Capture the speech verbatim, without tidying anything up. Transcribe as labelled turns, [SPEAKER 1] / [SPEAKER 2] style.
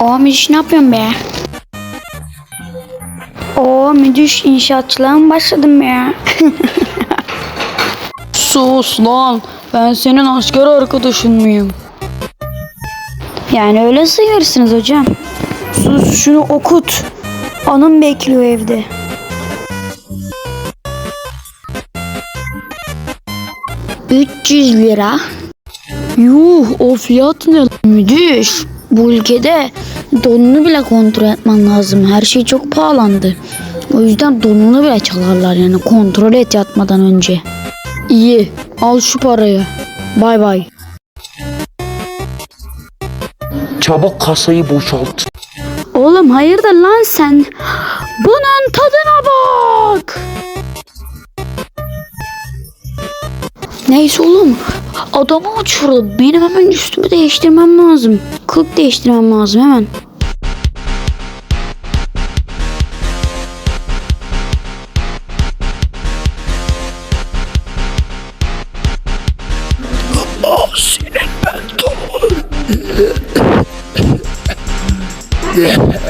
[SPEAKER 1] O müdüş ne yapıyorsun be? O müdüş inşaatçılığa mı başladım ya?
[SPEAKER 2] Sus lan. Ben senin asker arkadaşın mıyım?
[SPEAKER 1] Yani öyle sayıyorsunuz hocam.
[SPEAKER 2] Sus şunu okut.
[SPEAKER 1] Anım bekliyor evde. üç yüz lira.
[SPEAKER 2] Yuh, o fiyat ne?
[SPEAKER 1] Müdüş, bu ülkede donunu bile kontrol etmen lazım. Her şey çok pahalandı. O yüzden donunu bile çalarlar, yani kontrol et yatmadan önce.
[SPEAKER 2] İyi, al şu parayı. Bay bay.
[SPEAKER 3] Çabuk kasayı boşalt.
[SPEAKER 1] Oğlum hayırdır lan sen? Bunun tadına bak. Neyse oğlum, adamı uçurdu. Benim hemen üstümü değiştirmem lazım. Kılık değiştirmem lazım hemen.
[SPEAKER 3] Senin ben